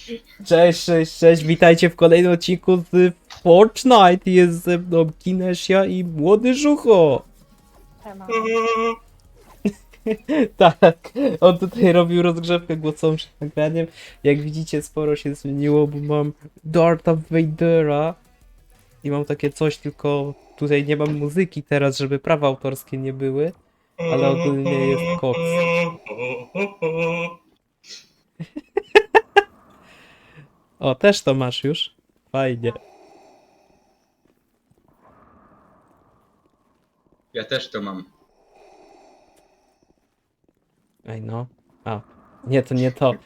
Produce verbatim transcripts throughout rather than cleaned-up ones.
Cześć, cześć, cześć, witajcie w kolejnym odcinku z Fortnite. Jest ze mną Kinesia i Młody Żucho. Temat. Tak, on tutaj robił rozgrzewkę głosową przed nagraniem. Jak widzicie, sporo się zmieniło, bo mam Darta Vadera i mam takie coś, tylko tutaj nie mam muzyki teraz, żeby prawa autorskie nie były, ale ogólnie jest koks. O, też to masz już? Fajnie. Ja też to mam. Ej no. A, nie, to nie to.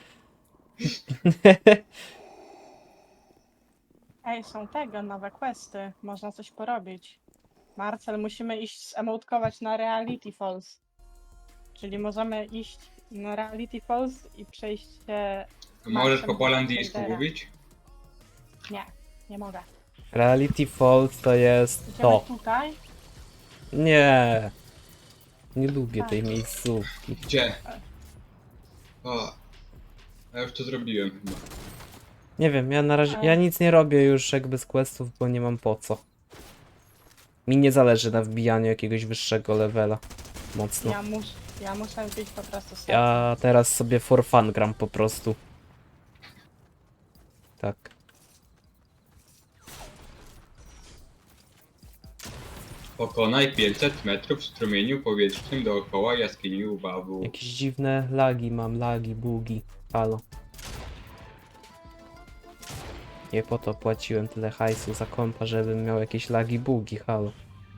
Ej, są tego, nowe questy. Można coś porobić. Marcel, musimy iść zemotkować na Reality Falls. Czyli możemy iść na Reality Falls i przejść się... Możesz po Marcem polandyjsku Vadera. mówić? Nie, nie mogę. Reality Falls to jest Idziemy to. tutaj. Nie. Nie lubię Tak. tej miejscówki. Gdzie? O, ja już to zrobiłem chyba. Nie wiem, ja na razie, ja nic nie robię już jakby z questów, bo nie mam po co. Mi nie zależy na wbijaniu jakiegoś wyższego levela. Mocno. Ja, mus, ja muszę być po prostu sercem. Ja teraz sobie for fun gram po prostu. Tak. Pokonaj pięćset metrów w strumieniu powietrznym dookoła jaskini Ubawu. Jakieś dziwne lagi mam, lagi, bugi. Halo. Nie po to płaciłem tyle hajsu za kompa, żebym miał jakieś lagi, bugi, halo.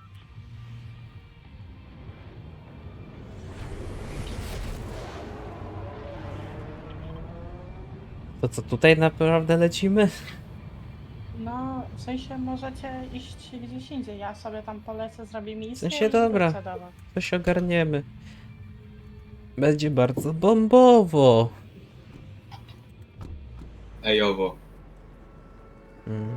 To co, tutaj naprawdę lecimy? No, w sensie możecie iść gdzieś indziej. Ja sobie tam polecę, zrobię misję W sensie i dobra. wrócę do was. Coś ogarniemy. Będzie bardzo bombowo. Ejowo. Mm.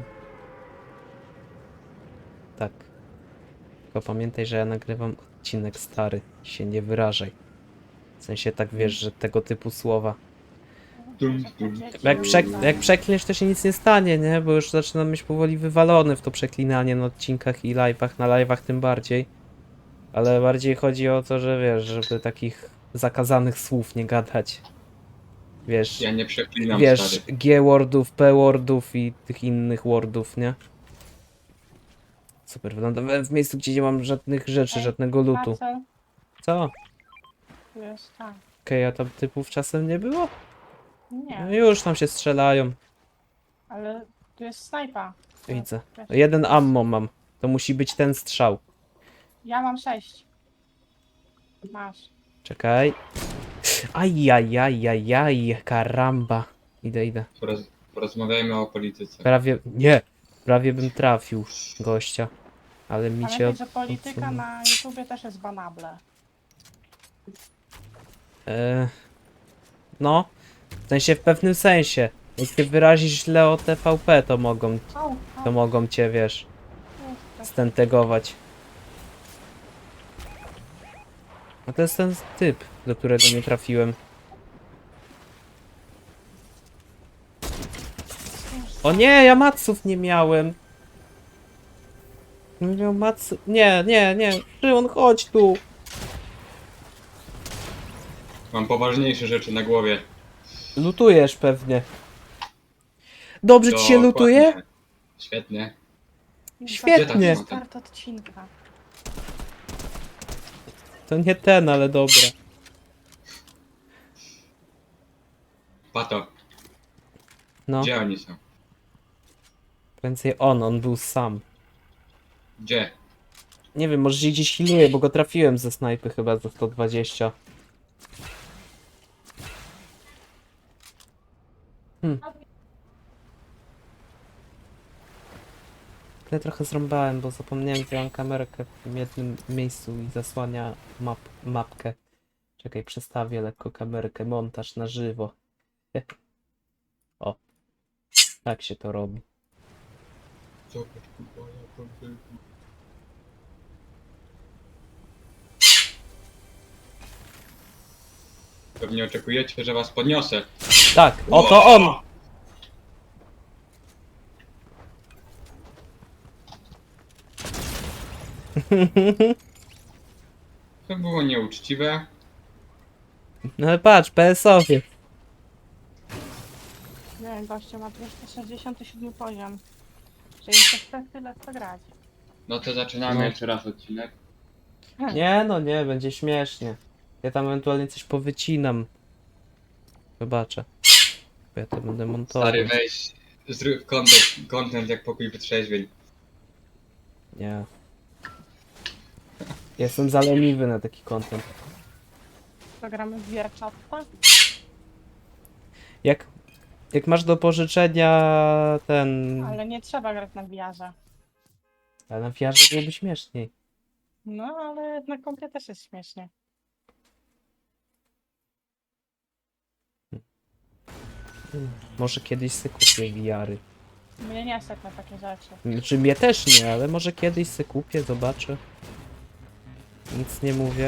Tak. Tylko pamiętaj, że ja nagrywam odcinek stary. Się nie wyrażaj. W sensie tak wiesz, że tego typu słowa. Dum, dum. Jak, przek jak przeklniesz, to się nic nie stanie, nie? Bo już zaczynam być powoli wywalony w to przeklinanie na odcinkach i live'ach, na live'ach tym bardziej. Ale bardziej chodzi o to, że wiesz, żeby takich zakazanych słów nie gadać. Wiesz, Ja nie przeklinam, wiesz, stary. G-wordów, P-wordów i tych innych wordów, nie? Super, wylądowałem w miejscu, gdzie nie mam żadnych rzeczy, Ej, żadnego lutu. Marcel, Co? tu jest tak. Okej, a tam typów czasem nie było? Nie, No już tam się strzelają. ale tu jest snajpa. Widzę. Wiesz, Jeden ammo mam. To musi być ten strzał. Ja mam sześć. Masz. Czekaj. Ajajajajaj, karamba. Idę, idę. Poroz porozmawiajmy o polityce. Prawie, nie! Prawie bym trafił gościa. Ale mi się Pamiętaj, od... że polityka odsunął. na YouTubie też jest banable. E... No. W sensie, w pewnym sensie. Jak ty wyrazisz źle o T V P, to mogą, Au, to au, mogą cię, wiesz, jest. stentegować. A to jest ten typ, do którego nie trafiłem. O nie, ja maców nie miałem. Nie miał macy... Nie, nie, nie. Szymon, chodź tu. Mam poważniejsze rzeczy na głowie. Lutujesz pewnie. Dobrze ci się Dokładnie. lutuje? Świetnie. Świetnie. Za start odcinka. To nie ten, ale dobra. Pato, No, gdzie oni są? więcej on, on był sam. Gdzie? Nie wiem, może się gdzieś healuje, bo go trafiłem ze snajpy chyba za sto dwadzieścia. Hmm. Ja trochę zrąbałem, bo zapomniałem, że mam kamerkę w jednym miejscu i zasłania map mapkę. Czekaj, przestawię lekko kamerkę, montaż na żywo. O, tak się to robi. Zobacz, kurwa, jak on był. Pewnie oczekujecie, że was podniosę. Tak, oto on! To było nieuczciwe. No ale patrz, P S owie. Nie wiem, goście ma dwieście sześćdziesiąty siódmy poziom. Czyli to chce tyle co grać. No to zaczynamy No. jeszcze raz odcinek. Nie no nie, będzie śmiesznie. Ja tam ewentualnie coś powycinam. Zobaczę. Bo ja to będę montował. Stary, weź, zrób content, content jak pokój wytrzeźwień. Nie. Jestem zaleniwy na taki content. To gramy w wierczatce? Jak, jak masz do pożyczenia ten... Ale nie trzeba grać na wiarze. Ale na wiarze byłoby śmieszniej. No, ale na kompie też jest śmiesznie. Może kiedyś se kupię V R-y. Mnie nie stać na takie rzeczy. Znaczy mnie też nie, ale może kiedyś se kupię, zobaczę. Nic nie mówię.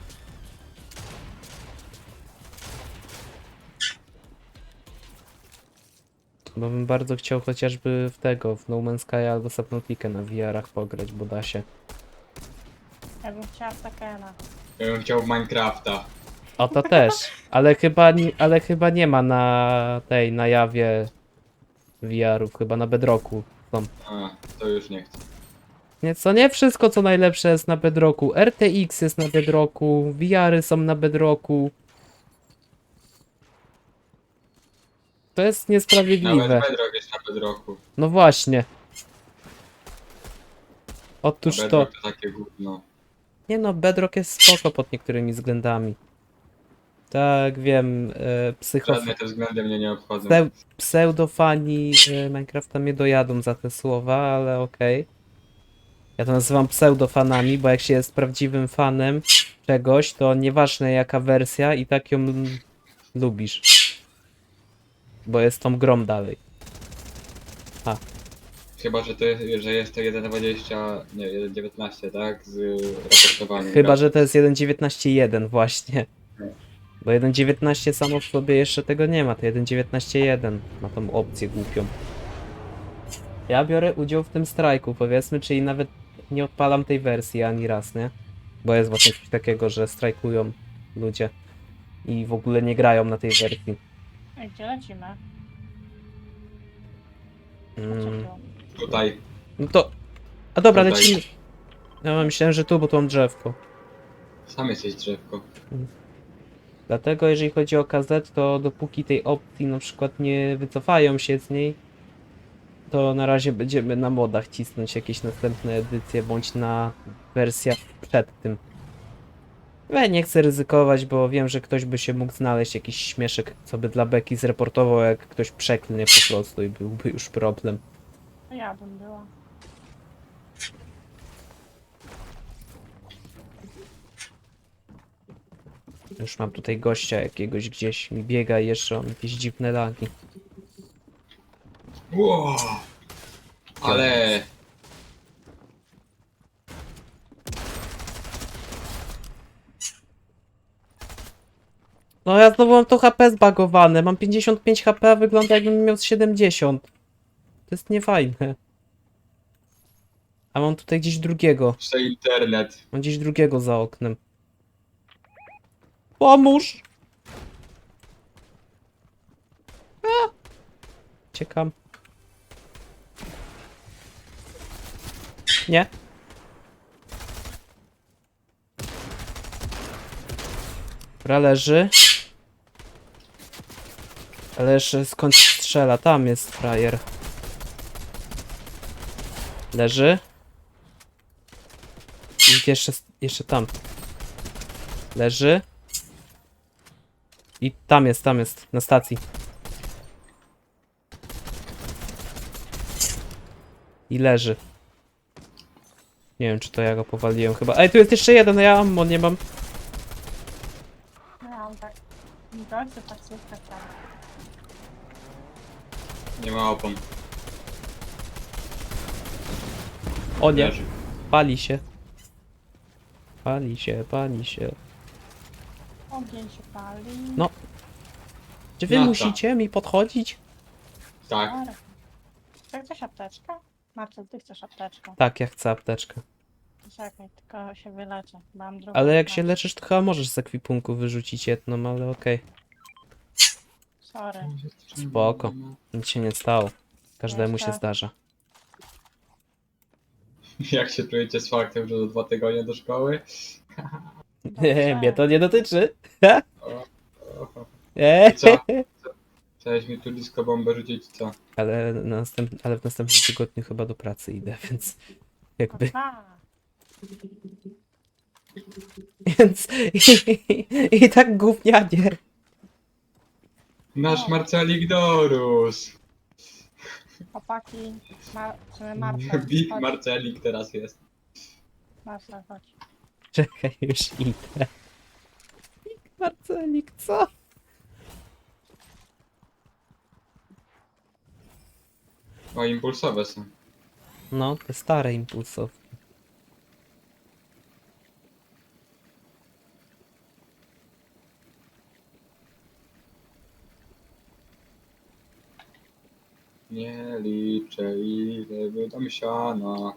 Bo bym bardzo chciał chociażby w tego, w No Man's Sky albo Subnautica na V R-ach pograć, bo da się. Ja bym chciała w Takena. Ja bym chciał w Minecrafta. O to też, ale chyba, nie- ale chyba nie ma na tej, na jawie V R-ów, chyba na Bedrocku są. A, to już nie chcę. Nie, co nie wszystko co najlepsze jest na Bedrocku. R T X jest na Bedrocku, V R-y są na Bedrocku. To jest Nawet niesprawiedliwe. Bedrock jest na Bedrocku. No właśnie. A Otóż to. Bedrock to takie gówno. Nie no, Bedrock jest spoko pod niektórymi względami. Tak, wiem, e, psycho... Żadne te względy mnie nie obchodzą. Pseu pseudofani e, Minecrafta mnie dojadą za te słowa, ale okej. Ja to nazywam pseudofanami, bo jak się jest prawdziwym fanem czegoś, to nieważne jaka wersja i tak ją l- lubisz. Bo jest tą grą dalej. Chyba, że to jest, że jest to jeden dwadzieścia, nie, jeden dziewiętnaście, tak? Z raportowaniem. Chyba, że to jest jeden dziewiętnaście jeden właśnie. No. Bo jeden dziewiętnaście samo w sobie jeszcze tego nie ma, to jeden dziewiętnaście jeden ma tą opcję głupią. Ja biorę udział w tym strajku, powiedzmy, czyli nawet nie odpalam tej wersji ani raz, nie? Bo jest właśnie coś takiego, że strajkują ludzie i w ogóle nie grają na tej wersji. Ej, gdzie lecimy? Mm. Co tu? Tutaj. No to... A dobra, Tutaj. lecimy. Ja myślałem, że tu, bo tu mam drzewko. Sam jesteś drzewko. Dlatego jeżeli chodzi o K Z, to dopóki tej opcji na przykład nie wycofają się z niej, to na razie będziemy na modach cisnąć jakieś następne edycje, bądź na wersjach przed tym. Ja nie chcę ryzykować, bo wiem, że ktoś by się mógł znaleźć, jakiś śmieszek, co by dla beki zreportował, jak ktoś przeklnie po prostu i byłby już problem. To ja bym była. Już mam tutaj gościa jakiegoś gdzieś mi biega i jeszcze on jakieś dziwne lagi. Wow. Ale... No ja znowu mam to H P zbagowane, mam pięćdziesiąt pięć H P, a wygląda jakbym miał siedemdziesiąt. To jest niefajne. A mam tutaj gdzieś drugiego, Jeszcze internet. mam gdzieś drugiego za oknem. Pomóż! A! Ciekam. Nie? Dobra, leży. Ależ skąd strzela? Tam jest frajer. Leży. I jeszcze, jeszcze tam. Leży. I tam jest, tam jest, na stacji. I leży. Nie wiem, czy to ja go powaliłem chyba. Ej, tu jest jeszcze jeden, a ja ammo nie mam. No ja mam tak. Goście taksówka tam. Nie ma opon. O nie, Leży. pali się. Pali się, pali się. Ogień się pali. No. Czy wy No to. musicie mi podchodzić? Tak. Dobra. Czy chcesz apteczkę? Marcel, ty chcesz apteczkę. Tak, ja chcę apteczkę. Czekaj, tylko się wyleczę. bo Mam drugą Ale jak się ranę. leczysz, to chyba możesz z ekwipunku wyrzucić jedną, ale okej. Sorry. Spoko. Nic się nie stało. Każdemu się Jeszcze- zdarza. Jak się czujecie z faktem, że za dwa tygodnie do szkoły? Dobrze. Mnie to nie dotyczy. O, o, Eee. Co? Chciałeś mi tu disco bombę rzucić, co? Ale, na następ... ale w następnym tygodniu chyba do pracy idę, więc jakby. Aha. Więc i, i tak gównianie. Nasz Marcelik Dorus! Chłopaki, ma, czy Marcel, Big chodź. Marcelik teraz jest. Marcel, chodź. Czekaj, już idę. Marcelik, co? O, impulsowe są. No, te stare impulsów. Nie liczę ile wydam siana.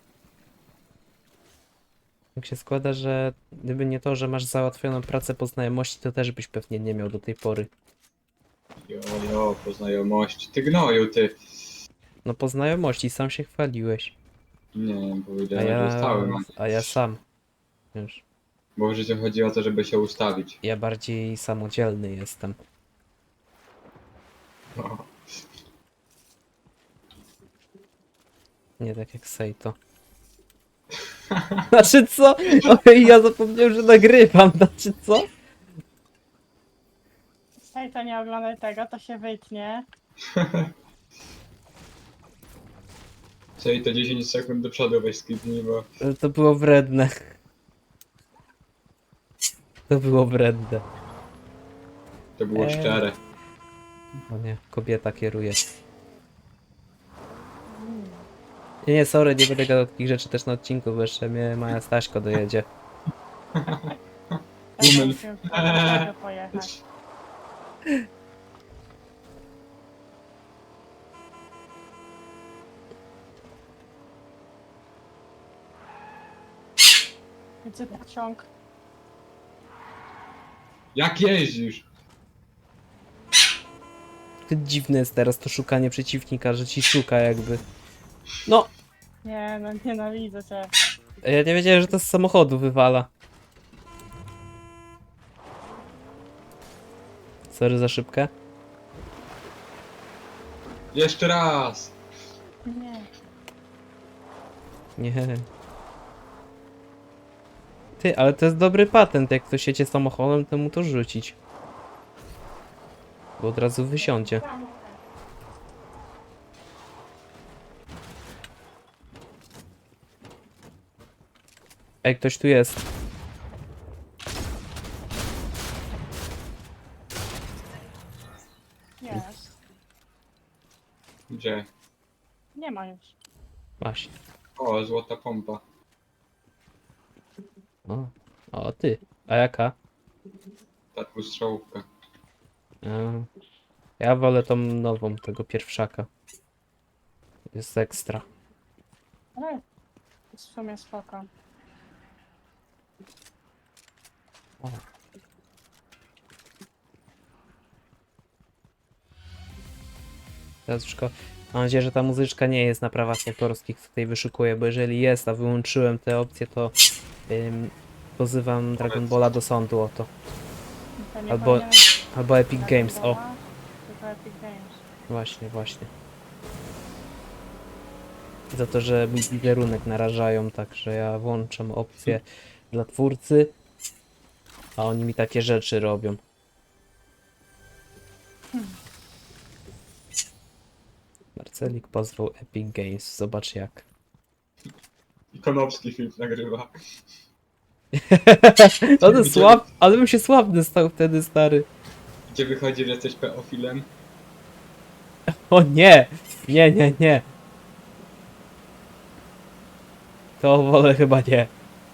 Tak się składa, że gdyby nie to, że masz załatwioną pracę po znajomości, to też byś pewnie nie miał do tej pory. Jo, jo, po znajomości. Ty gnoju, ty. No po znajomości, sam się chwaliłeś. Nie, A powiedziałem, że ja, ustałem. a ja sam. Wiesz, Bo w życiu chodzi o to, żeby się ustawić. ja bardziej samodzielny jestem. O, Nie tak jak Sejto. Znaczy co? Oj, ja zapomniałem, że nagrywam. Znaczy co? Stej, to nie oglądaj tego, to się wytnie. czyli to dziesięć sekund do przodu weź skipnij, bo... To było wredne. To było wredne. To było Eee. szczere. O nie, kobieta kieruje. Nie, nie, sorry, nie będę gadał takich rzeczy też na odcinku, bo jeszcze mnie Maja Staśko dojedzie. Też Umen. musimy do tego pojechać. Widzę pociąg. Jak jeździsz? To dziwne jest teraz to szukanie przeciwnika, że ci szuka jakby. No, Nie, no nienawidzę cię. ja nie wiedziałem, że to z samochodu wywala. Sorry za szybkę. Jeszcze raz! Nie. Nie. Ty, ale to jest dobry patent, jak ktoś jedzie samochodem, to mu to rzucić. Bo od razu wysiądzie. Ej, ktoś tu jest. Jest. Gdzie? Nie ma już. Właśnie. O, złota pompa. O, o ty. A jaka? Ta dwustrzałówka. A, ja wolę tą nową, tego pierwszaka. Jest ekstra. Ale w sumie spoko. O. Teraz już ko- mam nadzieję, że ta muzyczka nie jest na prawach autorskich, co tutaj wyszukuję, bo jeżeli jest, a wyłączyłem te opcje, to ym, pozywam Dragon Balla do sądu o to. To nie Albo- powinien być Albo Epic Dragon Games, o. Balla, Tylko Epic Games. Właśnie, właśnie. Za to, że mój wizerunek narażają, także ja włączam opcję dla twórcy, a oni mi takie rzeczy robią. Marcelik pozwał Epic Games, zobacz jak. I Konopski film nagrywa. Ale słab, ale bym się sławny stał wtedy, stary. Gdzie wychodzi, że jesteś peofilem? O nie! Nie, nie, nie. To wolę chyba nie.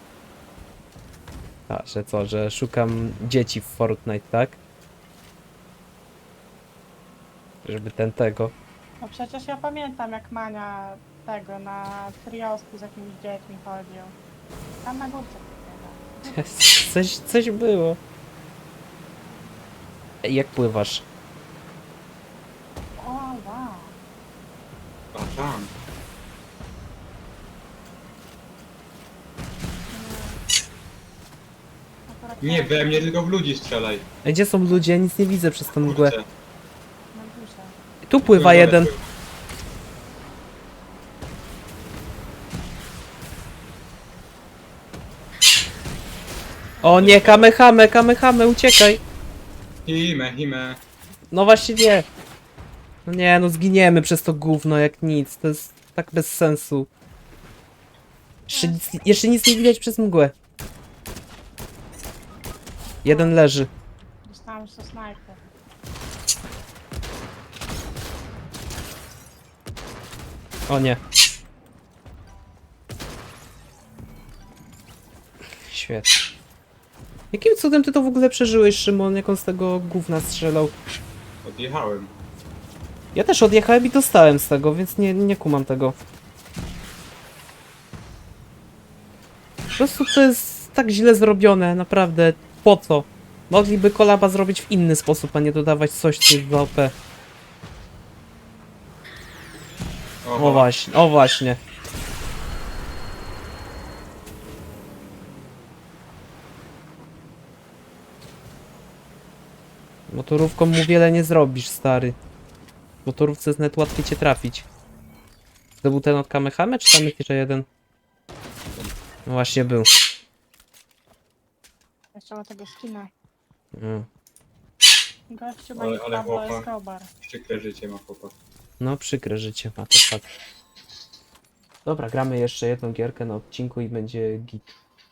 A, że co, że szukam dzieci w Fortnite, tak? Żeby ten tego. No przecież ja pamiętam jak Mania tego na triosku z jakimiś dziećmi chodził. Tam na górce. Coś, coś było. Ej, jak pływasz? O, wow. A tam. Akurat Nie tak, we mnie, tylko w ludzi strzelaj. Ej, gdzie są ludzie? Ja nic nie widzę przez tą mgłę. Kurczę. na górze. Tu pływa jeden. O nie, kamehame, kamehame, uciekaj. Hime, hime. No właśnie nie. No nie, no zginiemy przez to gówno jak nic. To jest tak bez sensu. Jeszcze nic, jeszcze nic nie widać przez mgłę. Jeden leży. Dostałam już to snajper. O nie. Świetnie. Jakim cudem ty to w ogóle przeżyłeś, Szymon? Jak on z tego gówna strzelał? Odjechałem. Ja też odjechałem i dostałem z tego, więc nie, nie kumam tego. Po prostu to jest tak źle zrobione, naprawdę. Po co? Mogliby kolaba zrobić w inny sposób, a nie dodawać coś, co jest za O P. O właśnie, o właśnie. Motorówką mu wiele nie zrobisz, stary. W motorówce jest nawet łatwiej cię trafić. To był ten od Kamehame, czy tam jest jeszcze jeden? No właśnie był. Jeszcze ma tego skina. Mm. Gościu ma Ale- ich ale Pablo chłopa. Escobar. Przykre życie ma chłopak. No przykre życie ma, to fakt. Dobra, gramy jeszcze jedną gierkę na odcinku i będzie git.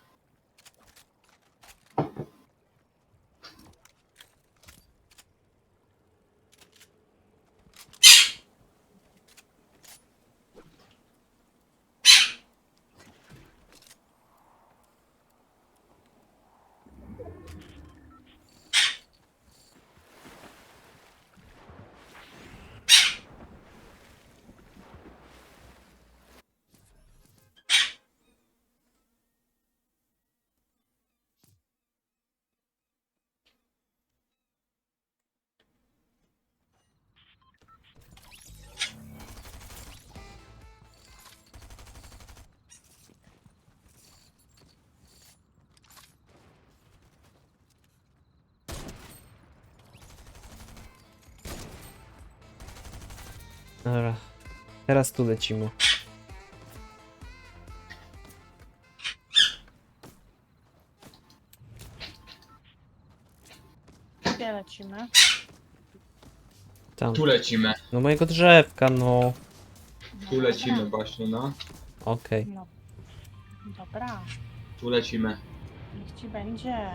Dobra, teraz tu lecimy. Gdzie lecimy? Tam. Tu lecimy. No mojego drzewka, no. No Tu lecimy dobra. właśnie, no. Okej. No. Dobra. Tu lecimy. Niech ci będzie.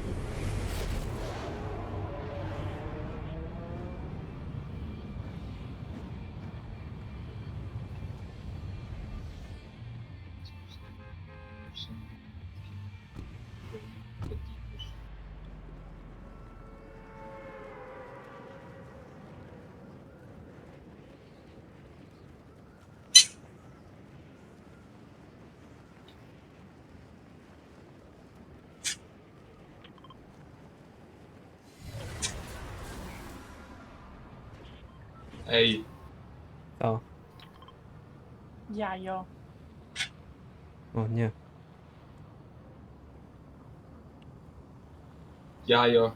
Ej, O, Jajo. o nie. jajo.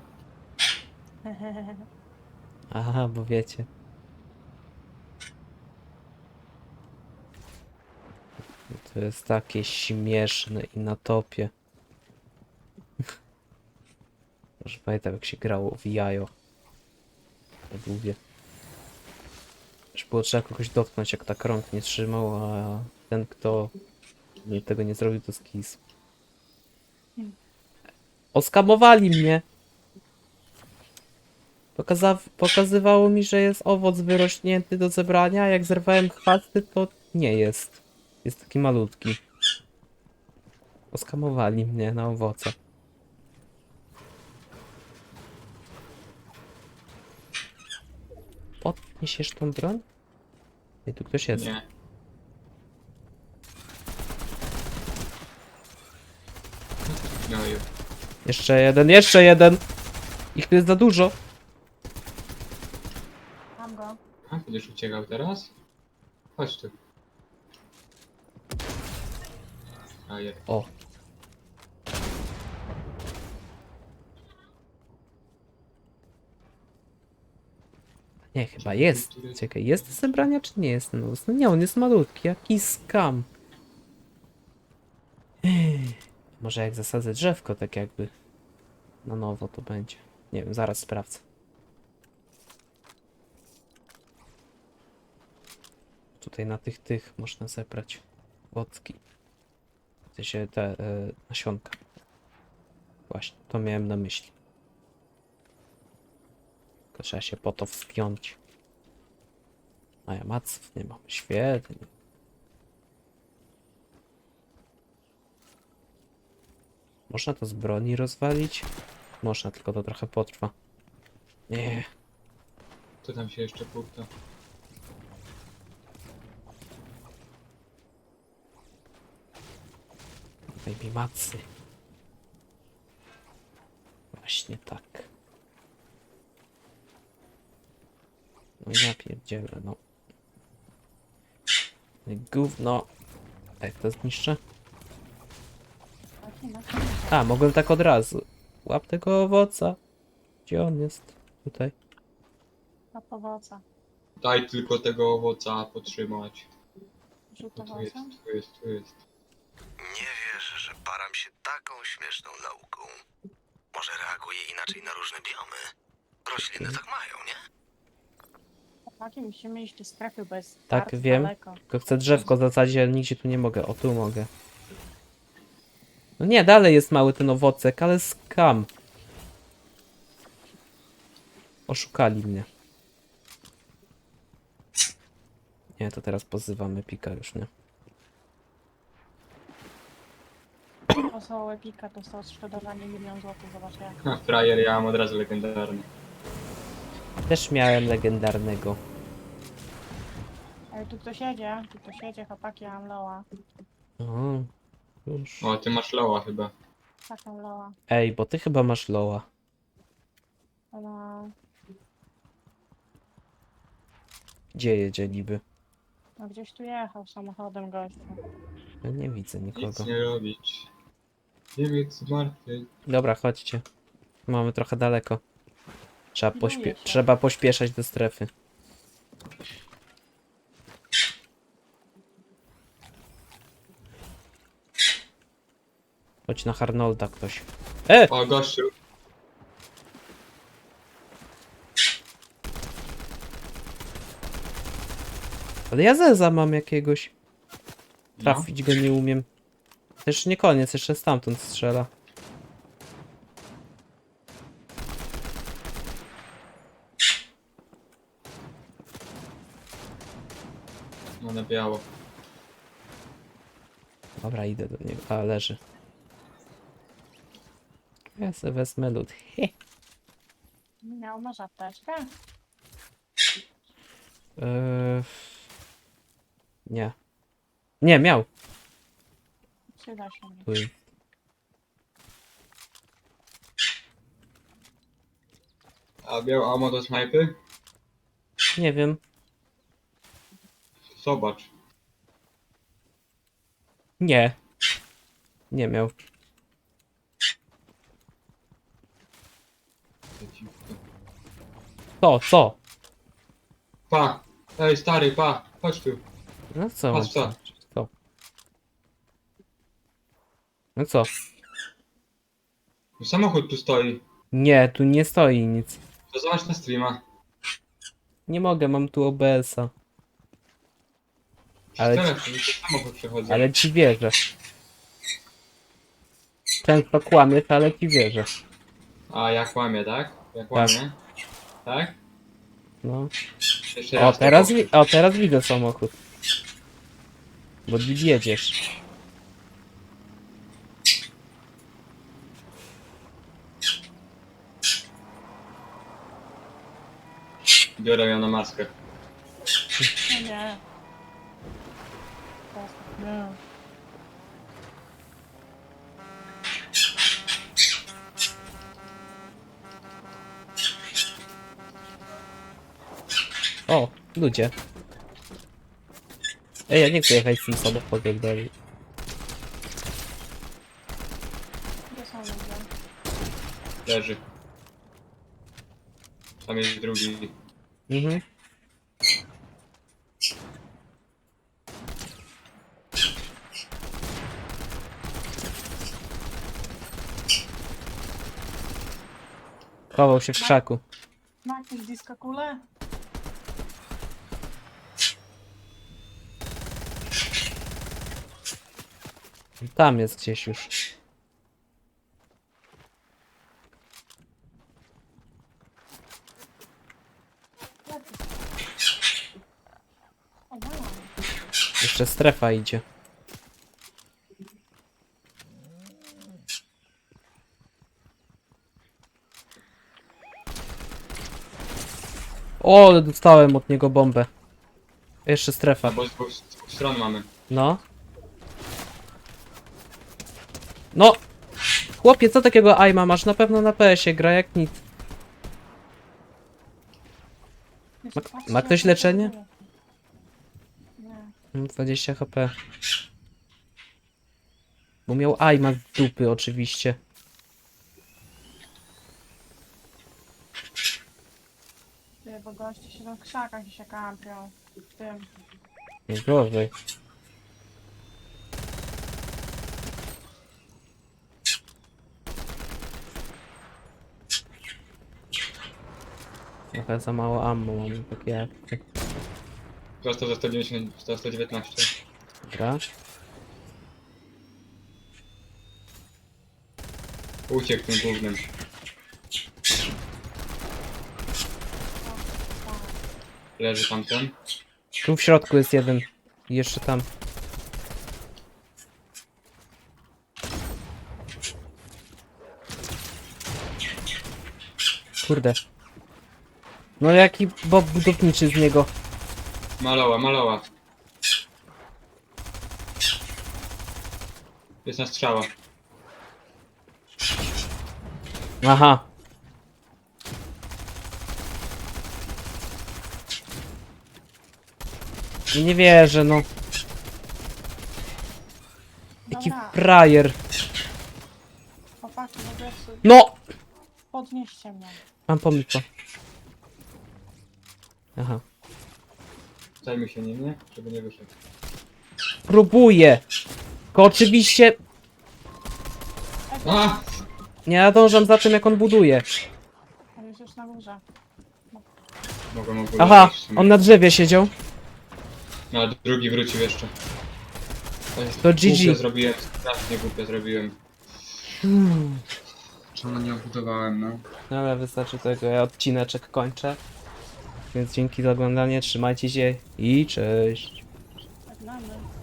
Aha, bo wiecie. To jest takie śmieszne i na topie. Już pamiętam jak się grało w jajo. Tak lubię. Już było trzeba kogoś dotknąć jak tak rąk nie trzymał, a ten kto nie- tego nie zrobił to skis. Oskamowali mnie! Pokaza pokazywało mi, że jest owoc wyrośnięty do zebrania, a jak zerwałem chwasty, to nie jest. Jest taki malutki. Oskamowali mnie na owoce. Podniesiesz tą broń? Ej, tu ktoś jest. Nie. No i Jeszcze jeden, jeszcze jeden! Ich tu jest za dużo. Mam go. a, będziesz uciekał teraz? Chodź tu. A je. O. Nie, chyba jest. Czekaj, jest do zebrania czy nie jest ten owoc? No nie, on jest malutki, jaki skam. Ech, może jak zasadzę drzewko, tak jakby na nowo to będzie. Nie wiem, zaraz sprawdzę. Tutaj na tych, tych można zebrać owocki. W sensie te e, nasionka. Właśnie, to miałem na myśli. Tylko trzeba się po to wspiąć. A ja maców nie mam. Świetnie. Można to z broni rozwalić? Można, tylko to trochę potrwa. Nie. Co tam się jeszcze pukta? Daj mi macy. Właśnie tak. No ja pierdzielę, no. No i gówno. Jak to zniszczę? Taki, no. A, mogłem tak od razu. Łap tego owoca. Gdzie on jest? Tutaj. Na powoca. Daj tylko tego owoca potrzymać. Rzut No tu jest, owocem. tu jest, tu jest. Nie wierzę, że param się taką śmieszną nauką. Może reaguje inaczej na różne biomy. Rośliny tak mają, nie? Chłopaki, musimy iść do strefy, bo jest Tak, bardzo wiem. daleko. Tylko chcę drzewko zasadzić, ale nigdzie tu nie mogę. O, tu mogę. No nie, dalej jest mały ten owocek, ale skam. Oszukali mnie. Nie, to teraz pozywamy Pika już, nie? Osało Epika dostał odszkodowanie milion złotych, zobacz jak. Ha, frajer, ja mam od razu legendarny. Też miałem legendarnego. Ale tu ktoś jedzie, tu ktoś jedzie, chłopaki, ja mam loa. O, już. O, ty masz loła chyba. Taką loa. Ej, bo ty chyba masz loa. No, Gdzie jedzie niby? no gdzieś tu jechał samochodem gościu. Ja nie widzę nikogo. Nic nie robić. Nie wiem, co martwy. Dobra, chodźcie. Mamy trochę daleko. Trzeba, Pilnuję pośpie się. trzeba pośpieszać do strefy. Chodź na Harnolda ktoś. E! O, gościu. Ale ja zeza mam jakiegoś. No. Trafić go nie umiem. Też nie koniec, jeszcze stamtąd strzela. No na biało. Dobra, idę do niego. A, leży. Ja sobie wezmę lód. He. Miał może apteczkę? Eee... Nie. Nie, miał. Przyda się mi. Tu jest. A miał ammo do snajpy? Nie wiem. Zobacz. Nie. Nie miał. Co? Co? Pa! Ej, stary, pa! Chodź tu. No co? mam Patrz co. zobaczyć? Co? No co? Samochód tu stoi. Nie, tu nie stoi nic. To zobacz na streama. Nie mogę, mam tu O B S-a. Ale Ale ci- ci... samochód przechodzi. Ale ci wierzę. Często kłamiesz, ale ci wierzę. A ja kłamię, tak? Ja kłamię. Tak? No. Jeszcze O, raz. teraz, tak. wi- o, teraz widzę samochód. Bo nim jedziesz. Biorę ją na maskę. No nie. Teraz- Nie. O, ludzie. Ej, ja nie chcę jechać z tym samochodem dalej. Gdzie są ludzie? Leży. Tam jest drugi. Mhm. Chował się w krzaku. Ma jakieś disco kule? Tam jest gdzieś już. O, wow. Jeszcze strefa idzie. O, ale dostałem od niego bombę. Jeszcze strefa. No bo z dwóch, z dwóch stron mamy. No. No! Chłopie, co takiego aima masz? Na pewno na P S ie gra jak nic. Jeszcze Ma- patrzę, ma ktoś jak leczenie? to Nie. Mam dwadzieścia H P. Bo miał aima z dupy oczywiście. Ty, bo goście się tam w krzakach i się kampią. W tym. Nie gorzej. Trochę za mało ammo mam takie akcje. Został za sto dziewięćdziesiąt, za sto dziewiętnaście. Dobra. Uciekł tym głównym. Leży tamten. Tu w środku jest jeden. I jeszcze tam. Kurde. No jaki bob budowniczy z niego. Maloła, maloła. Jest na strzała. Aha. I nie wierzę, no. Jaki Dobra, frajer. chłopaki, no wiesz, No! podnieście mnie. Mam pomysł. Aha. Zajmij się nim, nie? Żeby nie wyszedł. Próbuję. Tylko oczywiście A! nie nadążam za tym, jak on buduje. On jest już na górze. Mogłem ogólnie Aha, wyjść w sumie. on na drzewie siedział. No, a drugi wrócił jeszcze. To G G. Głupio zrobiłem, strasznie głupio zrobiłem. Czemu nie obudowałem, no? Dobra, wystarczy tego, ja odcineczek kończę. Więc dzięki za oglądanie, trzymajcie się i cześć. Żegnamy.